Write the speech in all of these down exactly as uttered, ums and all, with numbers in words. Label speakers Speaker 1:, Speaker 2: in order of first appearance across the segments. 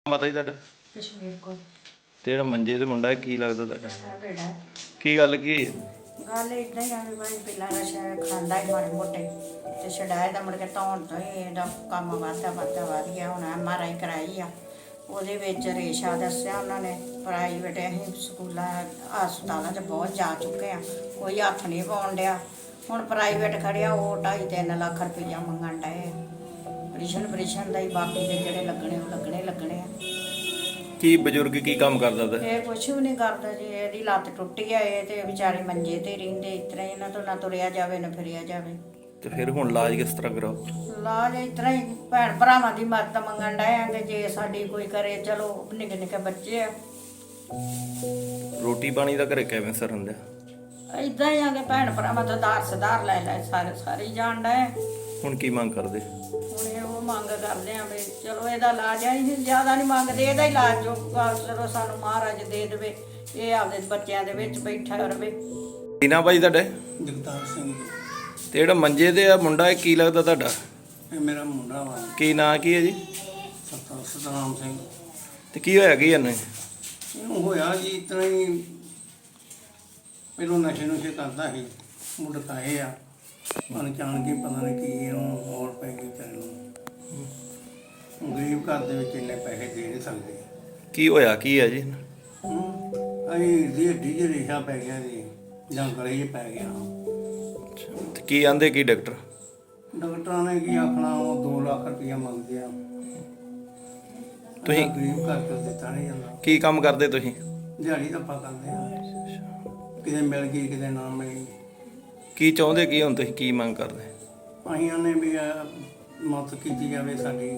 Speaker 1: ਪਤਾ ਹੀ ਤੁਹਾਡਾ
Speaker 2: ਕਸ਼ਮੀਰ ਕੋਲ
Speaker 1: ਤੇ ਜਿਹੜਾ ਮੰਜੇ ਤੇ ਮੁੰਡਾ ਕੀ ਲੱਗਦਾ ਤੁਹਾਡਾ?
Speaker 2: ਸਾਡਾ ਬੇੜਾ
Speaker 1: ਕੀ ਗੱਲ ਕੀ
Speaker 2: ਗੱਲ ਇਦਾਂ ਹੀ ਆ ਵੀ ਭਾਈ ਪਹਿਲਾਂ ਨਸ਼ਾ ਖਾਂਦਾ ਹੀ ਮਾੜੇ ਮੋਟੇ ਤੇ ਛਡਾਇਆ ਤਾਂ ਮੁੜ ਕੇ ਧੌਣ ਤੋਂ ਹੀ ਇਹਦਾ ਕੰਮ ਵੱਧਦਾ ਵੱਧਦਾ ਵੱਧ ਗਿਆ। ਹੁਣ ਐਮ ਆਰ ਆਈ ਕਰਾਈ ਆ, ਉਹਦੇ ਵਿੱਚ ਰੇਸ਼ਾ ਦੱਸਿਆ ਉਹਨਾਂ ਨੇ। ਪ੍ਰਾਈਵੇਟ ਅਸੀਂ ਸਕੂਲਾਂ ਹਸਪਤਾਲਾਂ 'ਚ ਬਹੁਤ ਜਾ ਚੁੱਕੇ ਆ, ਕੋਈ ਹੱਥ ਨਹੀਂ ਪਾਉਣ ਡਿਆ। ਹੁਣ ਪ੍ਰਾਈਵੇਟ ਖੜਿਆ ਉਹ ਢਾਈ ਤਿੰਨ ਲੱਖ ਰੁਪਈਆ ਮੰਗਣ ਡਏ। ਆਪਰੇਸ਼ਨ ਆਪਰੇਸ਼ਨ ਦਾ ਹੀ, ਬਾਕੀ ਦੇ ਜਿਹੜੇ ਲੱਗਣੇ ਉਹ ਲੱਗਣੇ ਲੱਗਣੇ ਆ।
Speaker 1: ਕੀ ਬਜ਼ੁਰਗ ਕੀ ਕੰਮ ਕਰਦਾ ਤਾ?
Speaker 2: ਇਹ ਕੁਛ ਵੀ ਨਹੀਂ ਕਰਦਾ ਜੀ, ਇਹਦੀ ਲੱਤ ਟੁੱਟੀ ਆ, ਇਹ ਤੇ ਵਿਚਾਰੇ ਮੰਜੇ ਤੇ ਰਹਿੰਦੇ। ਇਸ ਤਰ੍ਹਾਂ ਇਹਨਾਂ ਤੋਂ ਨਾ ਤੁਰਿਆ ਜਾਵੇ ਨਾ ਫਿਰਿਆ ਜਾਵੇ।
Speaker 1: ਤੇ ਫਿਰ ਹੁਣ ਇਲਾਜ ਕਿਸ ਤਰ੍ਹਾਂ ਕਰਾਓ?
Speaker 2: ਇਲਾਜ ਇਸ ਤਰ੍ਹਾਂ ਹੀ ਭੈਣ ਭਰਾਵਾਂ ਦੀ ਮਦਦ ਮੰਗਣ ਡਏ ਆ ਕਿ ਜੇ ਸਾਡੀ ਕੋਈ ਕਰੇ। ਚਲੋ ਨਿੱਕੇ ਨਿੱਕੇ ਬੱਚੇ ਆ,
Speaker 1: ਰੋਟੀ ਪਾਣੀ ਦਾ ਘਰੇ ਕਿਵੇਂ ਸਰ ਹੁੰਦਾ?
Speaker 2: ਏਦਾਂ ਹੀ ਆ ਕਿ ਭੈਣ ਭਰਾਵਾਂ ਤੋਂ ਦਾਰ ਸਦਾਰ ਲੈ ਲੈ ਸਾਰੇ ਸਾਰੇ ਹੀ ਜਾਣ ਡਏ।
Speaker 1: ਹੁਣ ਕੀ ਮੰਗ ਕਰਦੇ?
Speaker 2: ਹੁਣ ਇਹ ਉਹ ਮੰਗ ਕਰਦੇ ਆ ਵੀ ਚਲੋ ਇਹਦਾ ਇਲਾਜ ਆ, ਅਸੀਂ ਜ਼ਿਆਦਾ ਨਹੀਂ ਮੰਗਦੇ, ਇਹਦਾ ਇਲਾਜ ਜੋ ਚਲੋ ਸਾਨੂੰ ਮਹਾਰਾਜ ਦੇ ਦੇਵੇ, ਇਹ ਆਪਦੇ ਬੱਚਿਆਂ ਦੇ ਵਿੱਚ ਬੈਠਾ ਰਵੇ।
Speaker 1: ਕੀ ਨਾਂ ਭਾਈ ਤੁਹਾਡੇ?
Speaker 3: ਜਗਤਾਰ ਸਿੰਘ ਜੀ।
Speaker 1: ਤੇ ਜਿਹੜਾ ਮੰਜੇ ਤੇ ਆ ਮੁੰਡਾ, ਇਹ ਕੀ ਲੱਗਦਾ ਤੁਹਾਡਾ?
Speaker 3: ਇਹ ਮੇਰਾ ਮੁੰਡਾ ਵਾ,
Speaker 1: ਕੀ ਨਾਂ ਕੀ ਹੈ ਜੀ?
Speaker 3: ਸਤਨਾਮ ਸਤਨਾਮ ਸਿੰਘ।
Speaker 1: ਤੇ ਕੀ ਹੋਇਆ ਕੀ ਇਹਨੂੰ?
Speaker 3: ਇਹਨੂੰ ਹੋਇਆ ਜੀ ਇਸ ਤਰ੍ਹਾਂ ਹੀ, ਪਹਿਲੋਂ ਨਸ਼ੇ ਨੁਸ਼ੇ ਕਰਦਾ ਸੀ, ਮੁੜਕਾਏ ਆ ਅਣਜਾਣ ਕੇ ਪਤਾ ਨਹੀਂ ਕੀ ਇਹਨੂੰ ਹੋਰ ਪੈ ਗਈ ਵਿਚਾਰੇ ਨੂੰ। ਗਰੀਬ ਘਰ ਦੇ ਵਿੱਚ ਇੰਨੇ ਪੈਸੇ ਦੇ ਨਹੀਂ ਸਕਦੇ।
Speaker 1: ਕੀ ਹੋਇਆ ਕੀ ਹੈ ਜੀ?
Speaker 3: ਅਸੀਂ ਦੀ ਹੱਡੀ 'ਚ ਰੇਸ਼ਾ ਪੈ ਗਿਆ ਜੀ, ਜਾਂ ਗਲੇ 'ਚ ਪੈ ਗਿਆ।
Speaker 1: ਤੇ ਕੀ ਆਂਦੇ ਕੀ ਡਾਕਟਰ?
Speaker 3: ਡਾਕਟਰਾਂ ਨੇ ਕੀ ਆਖਣਾ, ਉਹ ਦੋ ਲੱਖ ਰੁਪਈਆ ਮੰਗਦੇ ਆ।
Speaker 1: ਤੁਸੀਂ
Speaker 3: ਗਰੀਬ ਘਰ ਤੋਂ ਦਿੱਤਾ ਨਹੀਂ ਜਾਂਦਾ।
Speaker 1: ਕੀ ਕੰਮ ਕਰਦੇ ਤੁਸੀਂ?
Speaker 3: ਦਿਹਾੜੀ ਧੱਪਾ ਕਰਦੇ ਆ, ਕਿਤੇ ਮਿਲ ਗਈ ਕਿਤੇ ਨਾ ਮਿਲੀ।
Speaker 1: ਕੀ ਚਾਹੁੰਦੇ ਕੀ ਹੁਣ ਤੁਸੀਂ, ਕੀ ਮੰਗ ਕਰਦੇ?
Speaker 3: ਅਸੀਂ ਉਹਨੇ ਵੀ ਮਦਦ ਕੀਤੀ ਜਾਵੇ ਸਾਡੀ।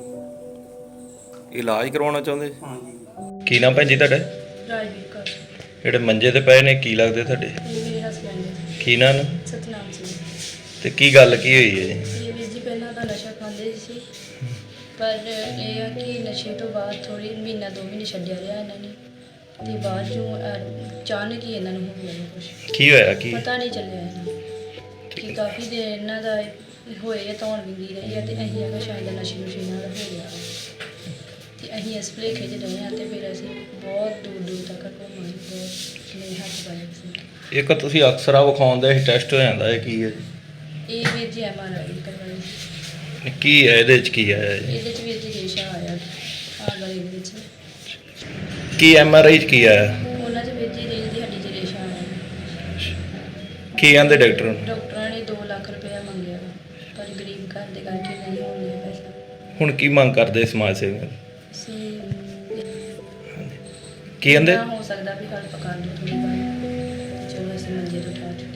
Speaker 1: ਇਲਾਜ ਕਰਵਾਉਣਾ ਚਾਹੁੰਦੇ?
Speaker 3: ਹਾਂਜੀ।
Speaker 1: ਕੀ ਨਾਮ ਭੈਣ ਜੀ ਤੁਹਾਡਾ?
Speaker 4: ਰਾਜਵੀਰ ਕੌਰ।
Speaker 1: ਜਿਹੜੇ ਮੰਜੇ ਤੇ ਪਏ ਨੇ ਕੀ ਲੱਗਦੇ ਤੁਹਾਡੇ?
Speaker 4: ਇਹ ਮੇਰੇ ਹਸਬੈਂਡ ਨੇ
Speaker 1: ਕੀ ਨਾਂ ਨੇ?
Speaker 4: ਸਤਨਾਮ ਸਿੰਘ।
Speaker 1: ਤੇ ਕੀ ਗੱਲ ਕੀ ਹੋਈ ਹੈ ਜੀ?
Speaker 4: ਇਹ ਵੀਰ ਜੀ ਪਹਿਲਾਂ ਤਾਂ ਨਸ਼ਾ ਖਾਂਦੇ ਸੀ, ਪਰ ਇਹ ਆ ਕਿ ਨਸ਼ੇ ਤੋਂ ਬਾਅਦ ਥੋੜ੍ਹੀ ਮਹੀਨਾ ਦੋ ਮਹੀਨੇ ਛੱਡਿਆ ਰਿਹਾ ਇਹਨਾਂ ਨੇ, ਤੇ ਬਾਅਦ ਚੋਂ ਅਹ, ਅਚਾਨਕ ਹੀ ਇਹਨਾਂ ਨੂੰ ਹੋ ਗਿਆ ਕੁਛ,
Speaker 1: ਕੀ ਹੋਇਆ ਕੀ?
Speaker 4: ਪਤਾ ਨਹੀਂ ਚੱਲਿਆ ਇਹਨਾਂ ਨੂੰ ਕਿ ਕਾਫੀ ਦੇਰ ਇਹਨਾਂ ਦਾ ਹੋਏ ਧੌਣ ਵਿੰਗੀ ਰਹੀ ਆ। ਤੇ ਅਸੀਂ ਹੈਗਾ ਸ਼ਾਇਦ ਨਸ਼ੇ ਨੁਸ਼ੇ ਨਾਲ ਹੋ ਗਿਆ, ਤੇ ਅਸੀਂ ਇਸ ਭੁਲੇਖੇ 'ਚ ਰਹੇ ਹਾਂ। ਤੇ ਫਿਰ ਅਸੀਂ ਬਹੁਤ ਦੂਰ ਦੂਰ ਤੱਕ ਘੁੰਮੇ, ਬਹੁਤ ਨਹੀਂ ਹੱਥ ਪਾਏ ਸੀ।
Speaker 1: ਇੱਕ ਤੁਸੀਂ ਅਕਸਰਾ ਵਿਖਾਉਂਦੇ ਸੀ ਟੈਸਟ ਹੋ ਜਾਂਦਾ, ਇਹ ਕੀ ਹੈ?
Speaker 4: ਇਹ ਵੀਰ ਜੀ ਐਮ ਆਰ ਆਈ ਕਰਵਾਈ।
Speaker 1: ਕੀ ਹੈ ਇਹਦੇ ਚ, ਕੀ ਹੈ ਜੀ?
Speaker 4: ਇਹਦੇ 'ਚ ਵੀਰ ਜੀ ਰੇਸ਼ਾ ਆਇਆ ਆ ਗਲੇ ਦੇ ਵਿੱਚ।
Speaker 1: ਕੀ ਐਮ ਆਰ ਆਈ ਚ ਕੀ ਆਇਆ?
Speaker 4: ਉਹਨਾਂ 'ਚ ਵੀਰ ਜੀ ਰੀਲ ਦੀ ਹੱਡੀ 'ਚ ਰੇਸ਼ਾ ਆਇਆ।
Speaker 1: ਕੀ ਕਹਿੰਦੇ ਡਾਕਟਰ?
Speaker 4: ਡਾਕਟਰਾਂ ਨੇ ਦੋ ਲੱਖ ਰੁਪਇਆ ਮੰਗਿਆ, ਪਰ ਗਰੀਬ ਘਰ ਦੇ ਕਰਕੇ ਨਹੀਂ ਹੋਣ ਡਿਆ ਪੈਸਾ।
Speaker 1: ਹੁਣ ਕੀ ਮੰਗ ਕਰਦੇ ਸਮਾਜ ਸੇਵੀ?
Speaker 4: ਅਸੀਂ
Speaker 1: ਕੀ ਕਹਿੰਦੇ?
Speaker 4: ਜਿੰਨਾ ਹੋ ਸਕਦਾ ਵੀ ਹੈਲਪ ਕਰ ਦਿਓ ਥੋੜ੍ਹੀ ਬਹੁਤ, ਚਲੋ ਅਸੀਂ ਮੰਜੇ ਤੋਂ ਉਠਾ